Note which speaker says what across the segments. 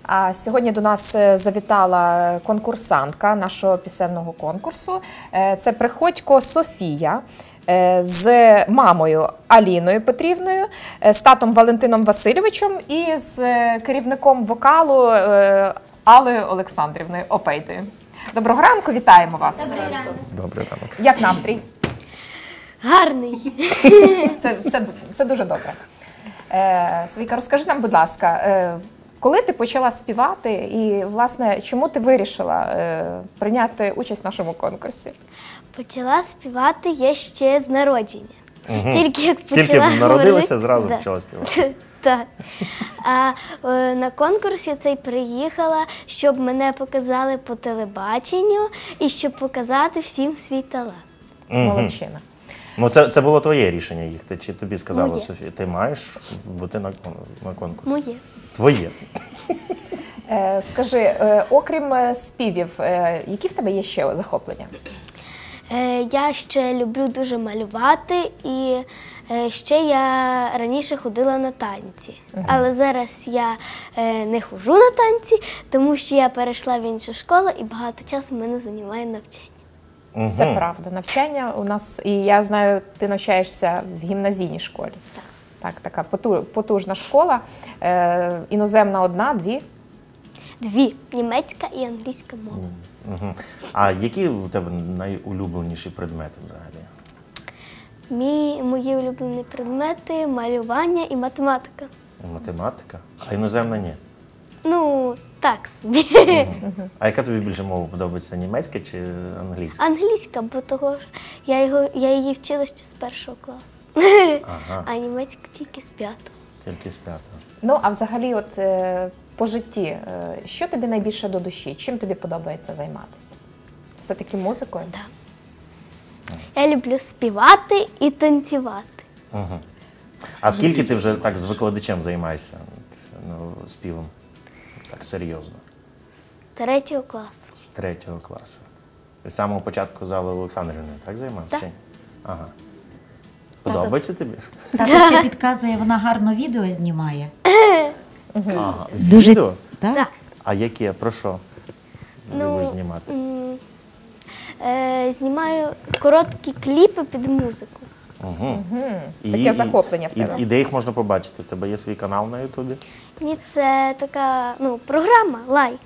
Speaker 1: А сьогодні до нас завітала конкурсантка нашого пісенного конкурсу. Це Приходько Софія з мамою Аліною Петрівною, з татом Валентином Васильовичем і з керівником вокалу Аллою Олександрівною Опейдою. Доброго ранку, вітаємо вас.
Speaker 2: Добрий ранок.
Speaker 3: Добрий ранок.
Speaker 1: Як настрій?
Speaker 2: Гарний.
Speaker 1: Це дуже добре. Софійка, розкажи нам, будь ласка, коли ти почала співати і, власне, чому ти вирішила прийняти участь в нашому конкурсі?
Speaker 2: Почала співати я ще з народження. Тільки як
Speaker 3: Тільки
Speaker 2: почала
Speaker 3: народилася,
Speaker 2: говорити-
Speaker 3: зразу
Speaker 2: Да.
Speaker 3: почала співати.
Speaker 2: Так. А на конкурс я цей приїхала, щоб мене показали по телебаченню і щоб показати всім свій талант.
Speaker 1: Молодчина.
Speaker 3: Ну, це було твоє рішення їхати, чи тобі сказала
Speaker 2: Моє.
Speaker 3: Софія? Ти маєш бути на конкурсі?
Speaker 2: Моє.
Speaker 3: Твоє.
Speaker 1: Скажи, окрім співів, які в тебе є ще захоплення?
Speaker 2: Я ще люблю дуже малювати і ще я раніше ходила на танці. Але зараз я не ходжу на танці, тому що я перейшла в іншу школу і багато часу мене займає навчання.
Speaker 1: Це правда. Навчання у нас, і я знаю, ти навчаєшся в гімназійній школі. Так, така потужна школа. Іноземна одна, дві.
Speaker 2: Дві – німецька і англійська мова.
Speaker 3: А які у тебе найулюбленіші предмети взагалі?
Speaker 2: Мої улюблені предмети – малювання і математика.
Speaker 3: Математика? А іноземна ні?
Speaker 2: Ну, так собі.
Speaker 3: А яка тобі більше мова подобається, німецька чи англійська?
Speaker 2: Англійська, бо того ж я її вчила ще з 1 класу.
Speaker 3: Ага.
Speaker 2: А німецька тільки з 5.
Speaker 3: Тільки з п'ятого.
Speaker 1: Ну, а взагалі, от по житті, що тобі найбільше до душі? Чим тобі подобається займатися? Все-таки музикою?
Speaker 2: Так. Я люблю співати і танцювати.
Speaker 3: А скільки ти вже так з викладачем займаєшся співом? Так серйозно.
Speaker 2: З 3 класу.
Speaker 3: З 3 класу. З самого початку зали Олександрівною, так займався?
Speaker 2: Так.
Speaker 3: Чи ні? Ага. Подобається тобі?
Speaker 4: Тато ще підказує, вона гарно відео знімає.
Speaker 3: Ага.
Speaker 4: Дуже
Speaker 3: Відео?
Speaker 4: так?
Speaker 2: Так.
Speaker 3: А яке? Про що любиш знімати?
Speaker 2: Знімаю короткі кліпи під музику.
Speaker 1: Таке захоплення в тебе.
Speaker 3: І де їх можна побачити? В тебе є свій канал на Ютубі?
Speaker 2: Ні, це така програма «Лайк».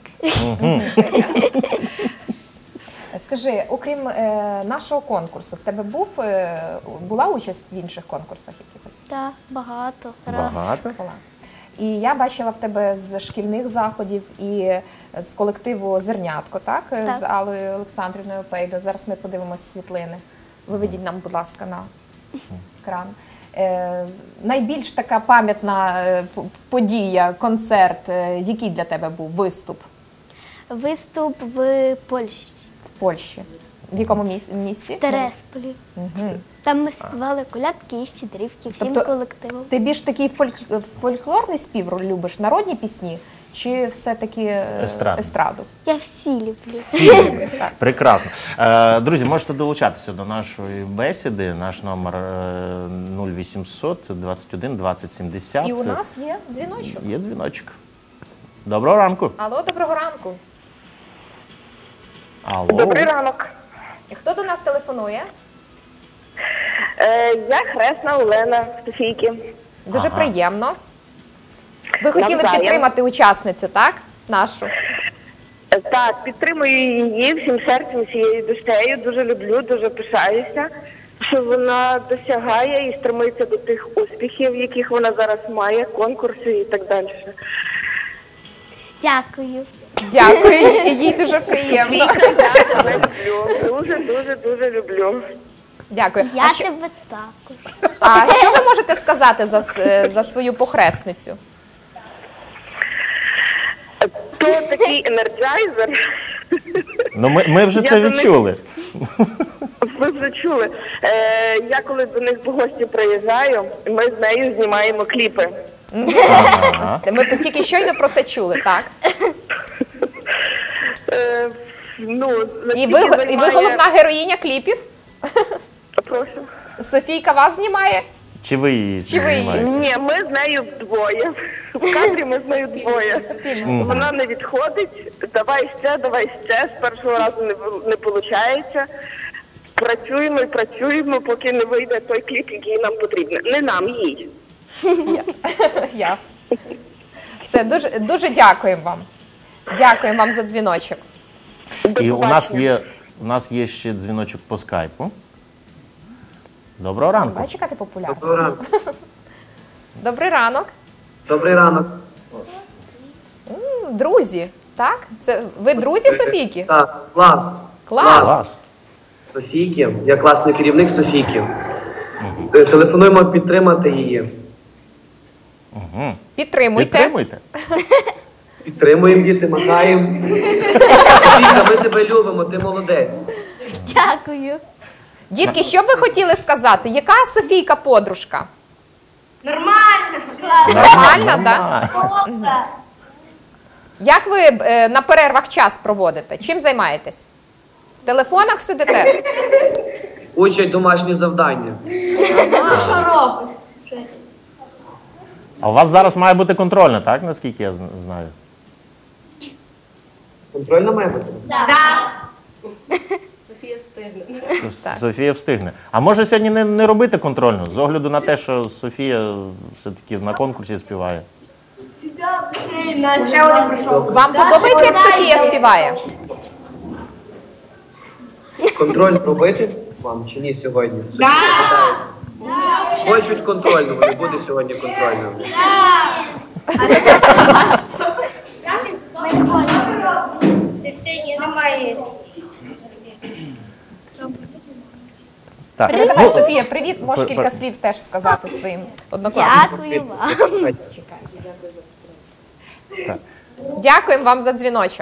Speaker 1: Скажи, окрім нашого конкурсу, в тебе була участь в інших конкурсах якихось?
Speaker 2: Так, багато.
Speaker 3: Багато?
Speaker 1: Була. І я бачила в тебе з шкільних заходів і з колективу «Зернятко», так?
Speaker 2: Так.
Speaker 1: З Аллою Олександрівною Опейдою. Зараз ми подивимося світлини. Виведіть нам, будь ласка, на екран. Найбільш така пам'ятна подія, концерт, який для тебе був виступ
Speaker 2: Виступ в Польщі,
Speaker 1: в Польщі? В якому місті?
Speaker 2: в Тересполі. Там ми співали колядки і щедрівки всім
Speaker 1: Тобто
Speaker 2: колективом.
Speaker 1: Ти більш такий фольклорний спів любиш, народні пісні, чи все-таки естраду?
Speaker 2: Я всі люблю.
Speaker 3: Всі. Прекрасно. Друзі, можете долучатися до нашої бесіди. Наш номер 0800 21 20 70.
Speaker 1: І у нас є дзвіночок.
Speaker 3: Є дзвіночок. Доброго ранку.
Speaker 1: Алло, доброго ранку.
Speaker 3: Алло.
Speaker 5: Добрий ранок.
Speaker 1: Хто до нас телефонує?
Speaker 5: Я Хресна Олена Софійки.
Speaker 1: Дуже приємно. Ви хотіли
Speaker 5: Навзаєм.
Speaker 1: підтримати учасницю, так? Нашу.
Speaker 5: Так, підтримую її всім серцем, всією душею. Дуже люблю, дуже пишаюся, що вона досягає і стремиться до тих успіхів, яких вона зараз має, конкурси і так далі.
Speaker 2: Дякую.
Speaker 1: Дякую, їй дуже приємно.
Speaker 5: Я люблю, дуже люблю.
Speaker 1: Дякую.
Speaker 2: Я тебе також.
Speaker 1: А що ви можете сказати за свою похресницю?
Speaker 5: То такий енерджайзер.
Speaker 3: Ну, ми вже
Speaker 5: Я
Speaker 3: це
Speaker 5: до них-
Speaker 3: відчули.
Speaker 5: Ви вже чули. Я коли до них в гості приїжджаю, ми з нею знімаємо кліпи.
Speaker 1: Ми тільки щойно про це чули, так? І ви головна героїня кліпів?
Speaker 5: Прошу.
Speaker 1: Софійка вас знімає?
Speaker 3: Чи ви її
Speaker 1: Чи ви її?
Speaker 3: знімаєте?
Speaker 5: Ні, ми з нею вдвоє. В кадрі ми з нею двоє. Вона не відходить. Давай ще. З першого разу не виходить. Працюємо і працюємо, поки не вийде той кліп, який нам потрібен. Не нам, їй.
Speaker 1: Ясно. Все, дуже дякуємо вам. Дякуємо вам за дзвіночок.
Speaker 5: До
Speaker 3: І
Speaker 5: побачення.
Speaker 3: у нас є ще дзвіночок по скайпу. Доброго ранку.
Speaker 1: Бачиш, яка ти популярна.
Speaker 6: Доброго ранку.
Speaker 1: Добрий ранок.
Speaker 6: Добрий ранок.
Speaker 1: Друзі, так? Це ви друзі Софійки?
Speaker 6: Так, клас.
Speaker 1: Клас.
Speaker 3: Клас.
Speaker 6: Софійки. Я класний керівник Софійки. Телефонуємо підтримати її.
Speaker 1: Підтримуйте.
Speaker 3: Підтримуйте.
Speaker 6: Підтримуємо діти, махаємо. Софійка, ми тебе любимо, ти молодець.
Speaker 2: Дякую.
Speaker 1: Дітки, що б ви хотіли сказати? Яка Софійка подружка?
Speaker 2: Нормально.
Speaker 1: Нормальна, так? Як ви на перервах час проводите? Чим займаєтесь? В телефонах сидите?
Speaker 6: Учать домашні завдання.
Speaker 3: А у вас зараз має бути контрольна, так? Наскільки я знаю?
Speaker 6: Контрольна має бути?
Speaker 3: Софія встигне. А може сьогодні не робити контрольну, з огляду на те, що Софія все-таки на конкурсі співає?
Speaker 1: Вам подобається, як Софія співає?
Speaker 6: Контроль робити вам чи ні сьогодні? Так. Хочуть контрольну, не буде сьогодні контрольна.
Speaker 3: Так.
Speaker 1: Давай, Софія, привіт. Можеш кілька слів теж сказати своїм однокласникам.
Speaker 2: Дякую вам.
Speaker 1: Дякуємо вам за дзвіночок.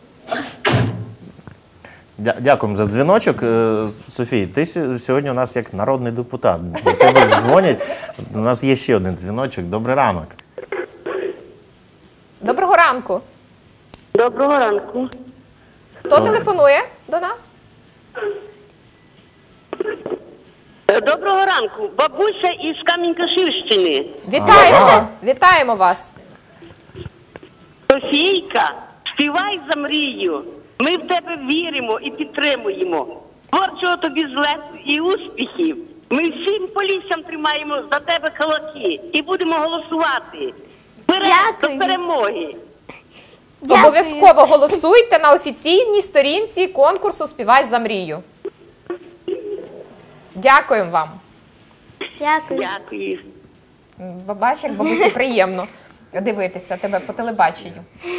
Speaker 3: Дякуємо за дзвіночок. Софій, ти сьогодні у нас як народний депутат. До тебе дзвонять. У нас є ще один дзвіночок. Добрий ранок.
Speaker 1: Доброго ранку.
Speaker 5: Доброго ранку.
Speaker 1: Хто телефонує до нас?
Speaker 5: Доброго ранку. Бабуся із Камінь-Каширщини.
Speaker 1: Вітаємо! Вітаємо вас!
Speaker 5: Софійка, співай за мрію. Ми в тебе віримо і підтримуємо. Творчого тобі злету і успіхів. Ми всім поліссям тримаємо за тебе кулаки і будемо голосувати. Вперед
Speaker 2: Дякую.
Speaker 5: до перемоги.
Speaker 2: Дякую.
Speaker 1: Обов'язково голосуйте на офіційній сторінці конкурсу «Співай за мрію». Дякуємо вам.
Speaker 2: Дякую.
Speaker 5: Дякую.
Speaker 1: Бачиш, як бабусі приємно дивитися тебе по телебаченню.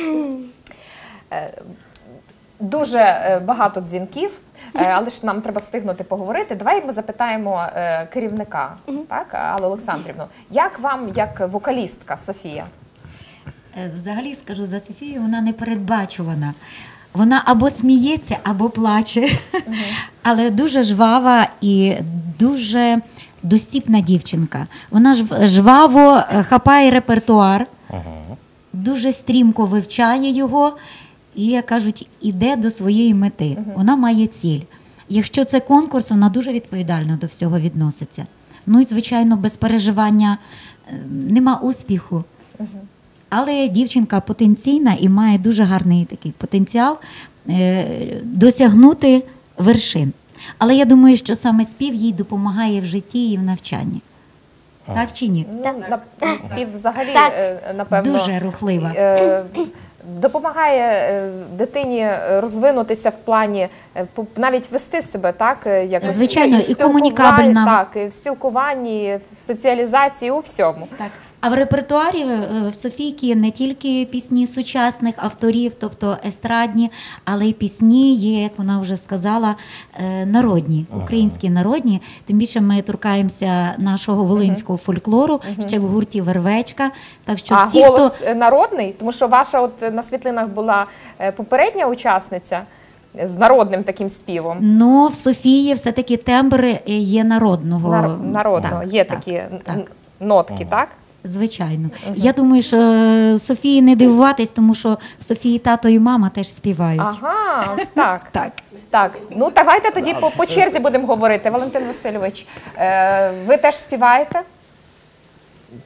Speaker 1: Дуже багато дзвінків, але ж нам треба встигнути поговорити. Давай ми запитаємо керівника, так, Аллу Олександрівну. Як вам, як вокалістка, Софія?
Speaker 4: Взагалі, скажу за Софію, вона непередбачувана. Вона або сміється, або плаче. Але дуже жвава і дуже достіпна дівчинка. Вона жваво хапає репертуар, дуже стрімко вивчає його і, як кажуть, іде до своєї мети. Вона має ціль. Якщо це конкурс, вона дуже відповідально до всього відноситься. Ну і, звичайно, без переживання нема успіху. Але дівчинка потенційна і має дуже гарний такий потенціал досягнути вершин. Але я думаю, що саме спів їй допомагає в житті і в навчанні. Так чи ні?
Speaker 1: Спів взагалі, напевно,
Speaker 4: Дуже рухлива.
Speaker 1: Допомагає дитині розвинутися в плані, навіть вести себе, так, як
Speaker 4: Звичайно, і
Speaker 1: спілкуванні,
Speaker 4: комунікабельна.
Speaker 1: так, і в спілкуванні, в соціалізації, у всьому.
Speaker 4: Так. А в репертуарі в Софійки не тільки пісні сучасних авторів, тобто естрадні, але й пісні є, як вона вже сказала, народні, українські народні. Тим більше ми торкаємося нашого волинського фольклору, ще в гурті «Вервечка». Так що
Speaker 1: А
Speaker 4: ті,
Speaker 1: голос народний? Тому що ваша от на світлинах була попередня учасниця з народним таким співом.
Speaker 4: Ну, в Софії все-таки тембр є народного.
Speaker 1: Народного,
Speaker 4: Так,
Speaker 1: є
Speaker 4: так,
Speaker 1: такі
Speaker 4: так.
Speaker 1: нотки, так?
Speaker 4: Звичайно. Я думаю, що Софії не дивуватись, тому що в Софії тато і мама теж співають.
Speaker 1: Ага, ось так.
Speaker 4: Так.
Speaker 1: Так, ну давайте тоді по черзі будемо говорити. Валентин Васильович, ви теж співаєте?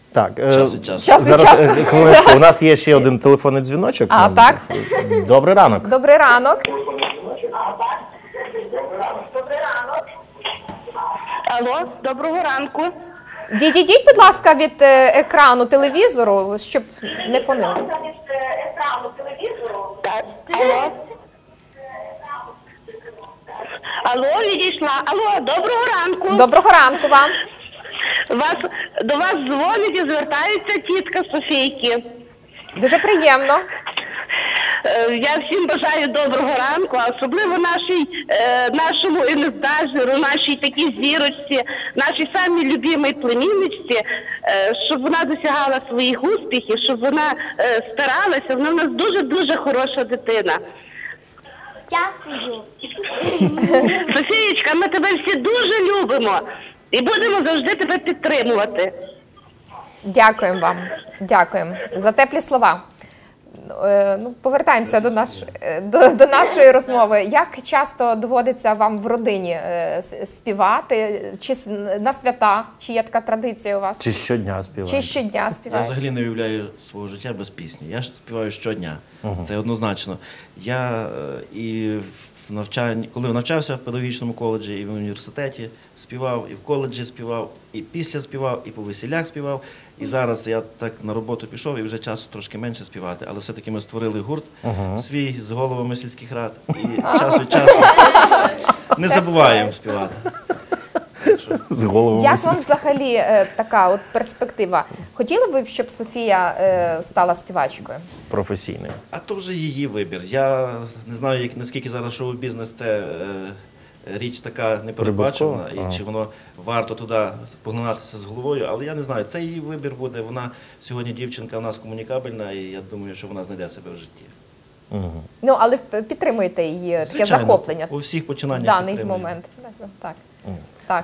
Speaker 3: Так,
Speaker 7: Час від часу.
Speaker 1: Час від
Speaker 3: зараз
Speaker 1: часу.
Speaker 3: хвилиночку. У нас є ще один телефонний дзвіночок.
Speaker 1: А, так.
Speaker 3: Добрий ранок.
Speaker 1: Добрий ранок.
Speaker 5: Алло, доброго ранку.
Speaker 1: Відійдіть, будь ласка, від екрану телевізору, щоб не фонило.
Speaker 5: Так, алло. Алло, відійшла. Алло, доброго ранку.
Speaker 1: Доброго ранку вам.
Speaker 5: До вас дзвонить і звертається тітка Софійки.
Speaker 1: Дуже приємно.
Speaker 5: Я всім бажаю доброго ранку, а особливо нашому інестажеру, нашій такій зірочці, нашій самій любимій племінничці, щоб вона досягала своїх успіхів, щоб вона старалася. Вона в нас дуже-дуже хороша дитина.
Speaker 2: Дякую.
Speaker 5: Софієчка, ми тебе всі дуже любимо і будемо завжди тебе підтримувати.
Speaker 1: Дякуємо вам. Дякуємо за теплі слова. Ну, повертаємося до нашої розмови. Як часто доводиться вам в родині співати? Чи на свята? Чи є така традиція у вас?
Speaker 3: Чи щодня співаєте?
Speaker 1: Чи щодня
Speaker 7: Я
Speaker 1: співаєте?
Speaker 7: взагалі не уявляю свого життя без пісні. Я ж співаю щодня. Це однозначно. Я і в навчанні, коли навчався в педагогічному коледжі, і в університеті співав, і в коледжі співав, і після співав, і по весілях співав. І зараз я так на роботу пішов, і вже часу трошки менше співати. Але все-таки ми створили гурт свій з головами сільських рад. І час від часу не забуваємо співати.
Speaker 3: З головою.
Speaker 1: Як вам взагалі така от перспектива? Хотіли ви б, щоб Софія стала співачкою?
Speaker 3: Професійною.
Speaker 7: А то вже її вибір. Я не знаю, наскільки зараз шоу-бізнес це річ така непередбачена, і чи воно варто туди поглинатися з головою, але я не знаю, це її вибір буде. Вона сьогодні дівчинка у нас комунікабельна, і я думаю, що вона знайде себе в житті.
Speaker 1: Ну, але підтримуєте її таке
Speaker 7: Звичайно,
Speaker 1: захоплення
Speaker 7: у всіх
Speaker 1: в
Speaker 7: починаннях
Speaker 1: даний
Speaker 7: підтримую.
Speaker 1: момент. Так.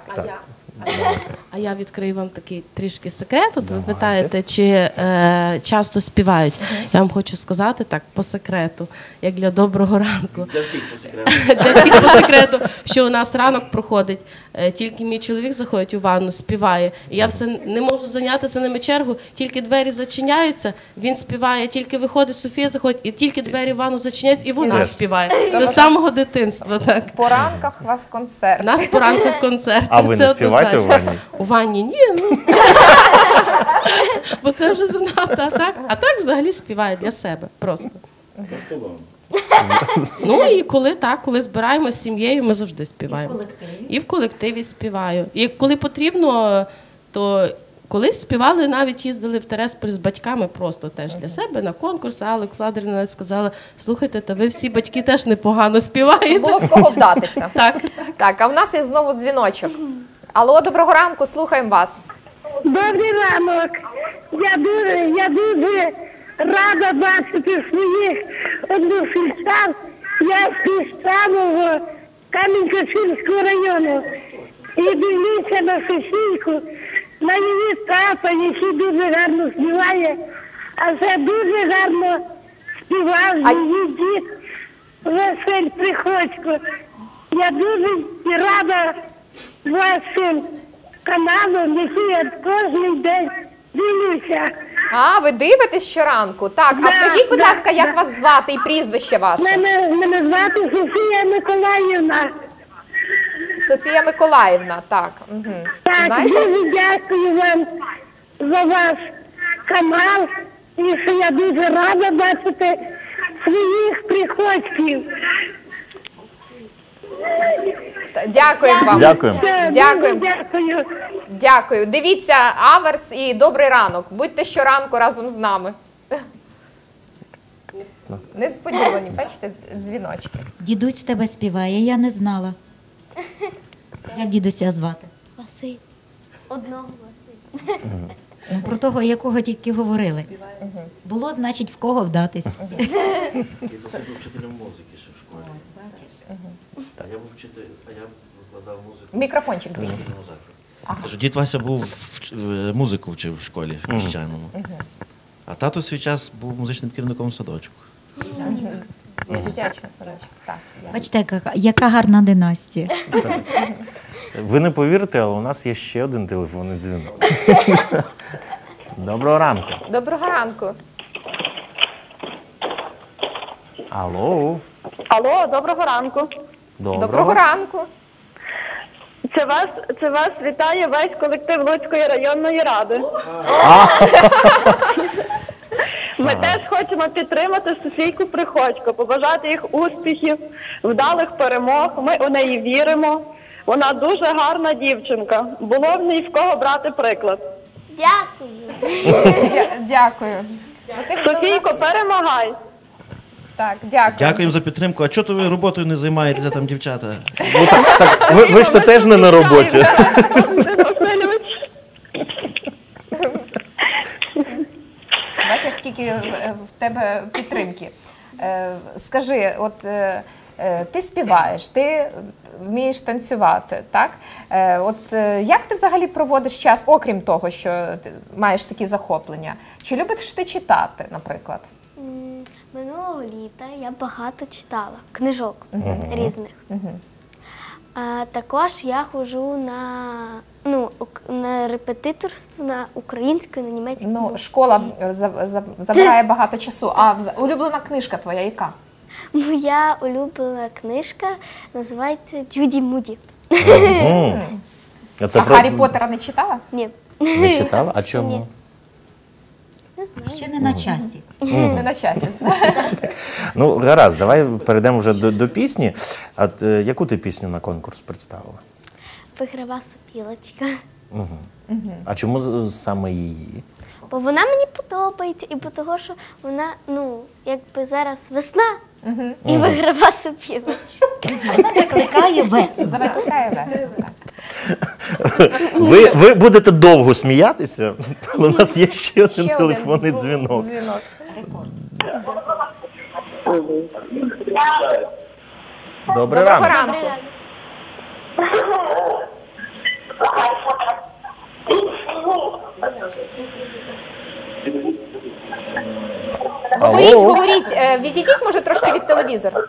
Speaker 8: А я відкрию вам такий трішки секрет. От ви питаєте, чи часто співають. Я вам хочу сказати так, по секрету, як для доброго ранку.
Speaker 7: Для всіх по секрету.
Speaker 8: Для всіх по секрету, що у нас ранок проходить. Тільки мій чоловік заходить у ванну, співає. І я все не можу зайняти за ними чергу, тільки двері зачиняються, він співає, тільки виходить, Софія заходить, і тільки двері в ванну зачиняються, і вона співає. Це з самого дитинства, так.
Speaker 1: По ранках у вас концерт.
Speaker 8: У нас поранку концерт.
Speaker 3: А ви не співаєте у ванні?
Speaker 8: У ванні ні, ну. Бо це вже занадто, а так взагалі співає для себе просто. Ну і коли збираємося з сім'єю, ми завжди співаємо. І в колективі співаю. І коли потрібно, то колись співали, навіть їздили в Тересполь з батьками просто теж для себе на конкурс. А Олександрівна сказала, слухайте, та ви всі батьки теж непогано співаєте.
Speaker 1: Було в кого вдатися.
Speaker 8: Так.
Speaker 1: Так, а в нас є знову дзвіночок. Алло, доброго ранку, слухаємо вас.
Speaker 5: Добрий ранок. Я дуже рада бачити своїх односельчан. Я з самого Камінь-Каширського району. І дивлюся на Софійку, на її тата, який дуже гарно співає, а це дуже гарно співав її дід Василь Приходько. Я дуже рада вашим каналом, який я кожен день дивлюся.
Speaker 1: А, ви дивитесь щоранку? Так, а скажіть, будь ласка, як вас звати і прізвище ваше?
Speaker 5: Мене звати Софія Миколаївна.
Speaker 1: Софія Миколаївна, так. Угу.
Speaker 5: Так,
Speaker 1: Знаєте?
Speaker 5: дуже дякую вам за ваш канал. І що я дуже рада бачити своїх приходьків.
Speaker 1: Дякуємо вам.
Speaker 3: Дякуємо.
Speaker 1: Дякуємо.
Speaker 5: Дякую.
Speaker 1: Дякую. Дивіться Аверс і добрий ранок. Будьте щоранку разом з нами. Несподівані, бачите, дзвіночки.
Speaker 4: Дідусь в тебе співає, я не знала. Як дідуся звати?
Speaker 2: Василь. Одного Василь.
Speaker 4: Ну, про того, якого тільки говорили. Було, значить, в кого вдатись.
Speaker 7: Я був вчителем музики ще в школі. Я був вчитель, а я викладав музику.
Speaker 1: Мікрофончик дві.
Speaker 7: Кажу, дід Вася був музику вчив в школі в Піщаному. А тато свій час був музичним керівником в садочку.
Speaker 1: Дитячий садочок. Так.
Speaker 4: Бачите, яка гарна династія.
Speaker 3: Ви не повірите, але у нас є ще один телефонний дзвінок. Доброго ранку.
Speaker 1: Доброго ранку.
Speaker 3: Алло.
Speaker 5: Алло, доброго ранку.
Speaker 1: Доброго ранку.
Speaker 5: Це вас вітає весь колектив Луцької районної ради. Ми теж хочемо підтримати Софійку Приходько, побажати їх успіхів, вдалих перемог. Ми у неї віримо. Вона дуже гарна дівчинка. Було в ній в кого брати приклад.
Speaker 2: Дякую.
Speaker 1: Дякую.
Speaker 5: Софійко, перемагай!
Speaker 1: Так, дякую.
Speaker 7: Дякуємо за підтримку. А чого то ви роботою не займаєтеся там, дівчата?
Speaker 3: Ну так, ви ж то теж не на роботі.
Speaker 1: Бачиш, скільки в тебе підтримки. Скажи, от ти співаєш, ти вмієш танцювати, так? От як ти взагалі проводиш час, окрім того, що ти маєш такі захоплення? Чи любиш ти читати, наприклад?
Speaker 2: Минулого літа я багато читала книжок різних. А також я ходжу на репетиторство на українську, на німецьку.
Speaker 1: Ну, школа забирає багато часу. А улюблена книжка твоя яка?
Speaker 2: Моя улюблена книжка називається Джуді Муді.
Speaker 3: А це
Speaker 1: А Гаррі Поттера не читала?
Speaker 2: Ні.
Speaker 3: Не читала? А
Speaker 2: Ще
Speaker 3: чому?
Speaker 2: ні. Не знаю.
Speaker 4: Ще не на часі.
Speaker 1: Не на часі.
Speaker 3: Ну, гаразд, давай перейдемо вже до пісні. А яку ти пісню на конкурс представила?
Speaker 2: Виграва сопілочка.
Speaker 3: А чому саме її?
Speaker 2: Бо вона мені подобається, і бо того, що вона, якби зараз весна, і виграва сопілочка.
Speaker 4: Вона закликає весну.
Speaker 1: Закликає весну.
Speaker 3: Ви будете довго сміятися, але у нас є ще один
Speaker 1: Ще
Speaker 3: телефонний
Speaker 1: один
Speaker 3: дзвінок. Добрий
Speaker 1: Доброго
Speaker 3: ранок.
Speaker 1: ранку. Говоріть, відійдіть, може, трошки від телевізора.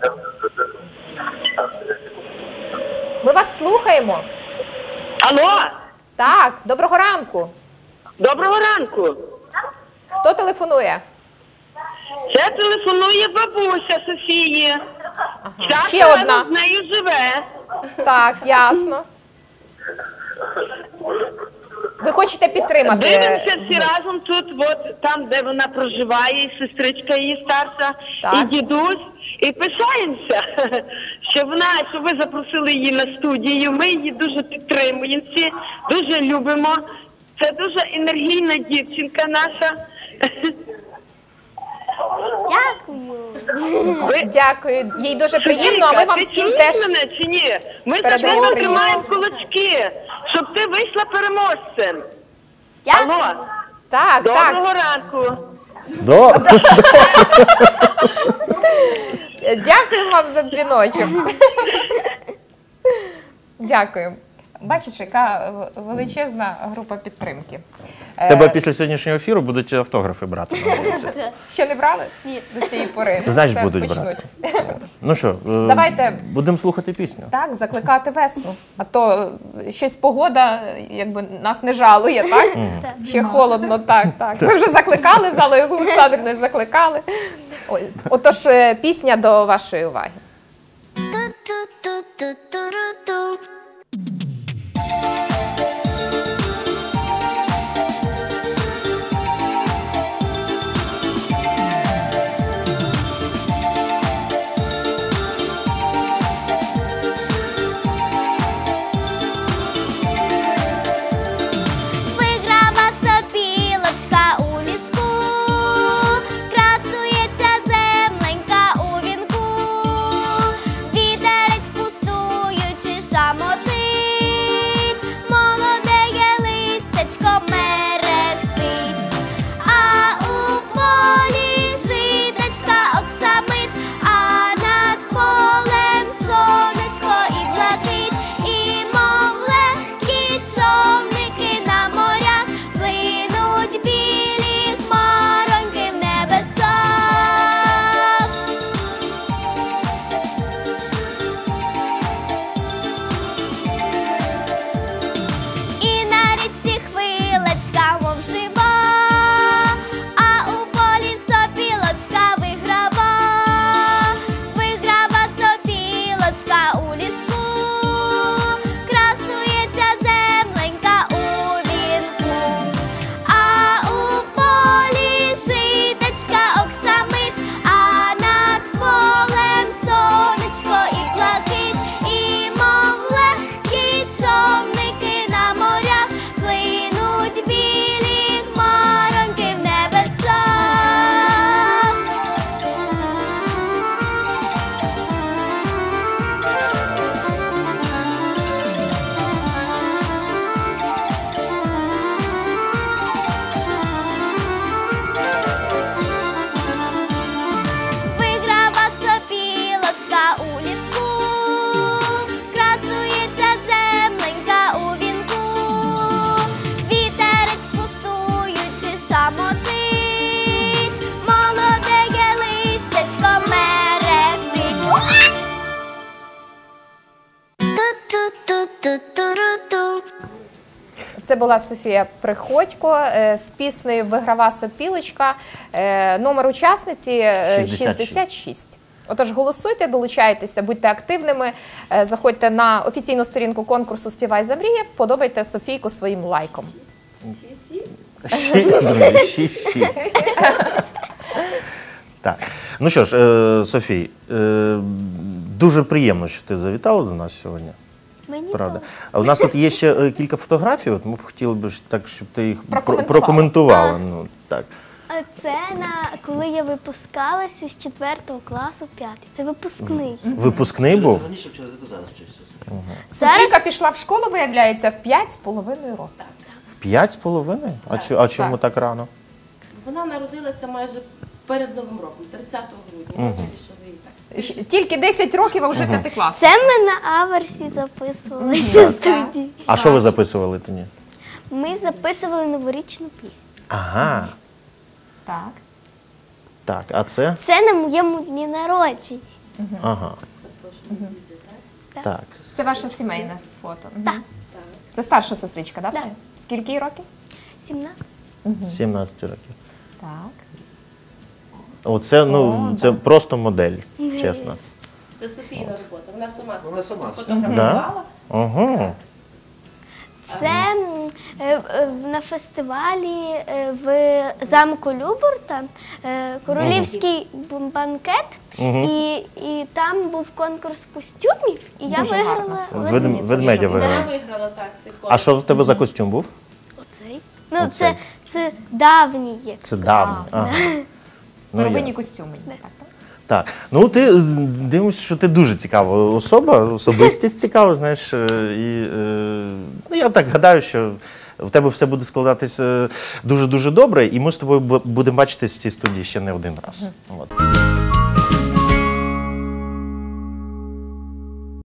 Speaker 1: Ми вас слухаємо.
Speaker 5: Алло,
Speaker 1: Так, доброго ранку.
Speaker 5: доброго ранку.
Speaker 1: Хто телефонує?
Speaker 5: Це телефонує бабуся Софії. Ця
Speaker 1: Ще одна.
Speaker 5: з нею живе.
Speaker 1: Так, ясно. Ви хочете підтримати?
Speaker 5: Дивимося всі разом тут, от там, де вона проживає, і сестричка її старша,
Speaker 1: Так.
Speaker 5: і дідусь. І пишаємося, що ви запросили її на студію. Ми її дуже підтримуємо всі, дуже любимо. Це дуже енергійна дівчинка наша.
Speaker 2: Дякую.
Speaker 1: Дякую, їй дуже приємно, а ми вам
Speaker 5: ти
Speaker 1: всім
Speaker 5: чуєш
Speaker 1: теж
Speaker 5: мене чи ні? Ми за
Speaker 1: передаємо
Speaker 5: тебе
Speaker 1: привіт.
Speaker 5: тримаємо кулачки, щоб ти вийшла переможцем.
Speaker 2: Дякую.
Speaker 5: Алло,
Speaker 1: так.
Speaker 5: доброго ранку.
Speaker 1: Дякую вам за дзвіночок. Дякую. Бачиш, яка величезна група підтримки.
Speaker 3: Тебе після сьогоднішнього ефіру будуть автографи брати на вулиці.
Speaker 1: Ще не брали? Ні. До цієї пори.
Speaker 3: Значить,
Speaker 1: Все,
Speaker 3: будуть
Speaker 1: почнуть.
Speaker 3: брати. Ну що,
Speaker 1: Давайте.
Speaker 3: будемо слухати пісню.
Speaker 1: Так, закликати весну. А то щось погода, якби нас не жалує, так? Ще холодно, так. Ми вже закликали, з Аллою Олександрівною закликали. Ой, отож, пісня до вашої уваги.
Speaker 2: Ту-ту-ту-ту-ту-ру-ту. Виграва сопілочка у ліску, красується земленька у вінку.
Speaker 1: Це була Софія Приходько з піснею «Виграва сопілочка». Номер учасниці 66. Отож, голосуйте, долучайтеся, будьте активними, заходьте на офіційну сторінку конкурсу «Співай замріяв», вподобайте Софійку своїм лайком.
Speaker 3: 6-6. Так. Ну що ж, Софій, дуже приємно, що ти завітала до нас сьогодні.
Speaker 2: Мені
Speaker 3: Правда. А у нас тут є ще кілька фотографій, от ми б хотіли б так, щоб ти їх прокоментувала. Ну, так.
Speaker 2: Це коли я випускалася з 4 класу в 5. Це випускний.
Speaker 3: Випускний був?
Speaker 7: Раніше вчилася, ти зараз вчишся.
Speaker 1: Софійка пішла в школу, виявляється, в 5,5 років.
Speaker 3: В 5,5? А чому так рано?
Speaker 8: Вона народилася майже перед Новим роком, 30 грудня. Ми вирішили її так.
Speaker 1: Тільки 10 років, а вже п'ятикласник.
Speaker 2: Це ми на аверсі записувалися в студії.
Speaker 3: А що ви записували тоді?
Speaker 2: Ми записували новорічну пісню.
Speaker 3: Ага.
Speaker 1: Так.
Speaker 3: Так, а це?
Speaker 2: Це на моєму дні народження.
Speaker 3: Ага. Так.
Speaker 1: Це ваше сімейне фото. Так. Це старша сестричка, так?
Speaker 2: Так.
Speaker 1: Скільки їй років?
Speaker 2: 17.
Speaker 3: 17 років.
Speaker 1: Так.
Speaker 3: Оце, це просто модель, чесно.
Speaker 8: Це Софійна робота. Вона сама
Speaker 7: Вона сама.
Speaker 8: фотографувала.
Speaker 3: Ага.
Speaker 2: Це на фестивалі в замку Любурта королівський банкет, і там був конкурс костюмів, і я
Speaker 1: Дуже
Speaker 2: виграла
Speaker 1: гарно.
Speaker 3: Ведмедя
Speaker 8: Вона
Speaker 3: виграв.
Speaker 8: виграла так цей конкурс.
Speaker 3: А що в тебе за костюм був?
Speaker 2: оцей. Ну, це давній є.
Speaker 3: Це давно. Ага.
Speaker 1: Старовинні
Speaker 3: ясно.
Speaker 1: костюми. Так, так.
Speaker 3: Так, ну ти дивимося, що ти дуже цікава особа, особистість цікава, знаєш. І ну, я так гадаю, що в тебе все буде складатися дуже-дуже добре, і ми з тобою будемо бачитись в цій студії ще не один раз. От.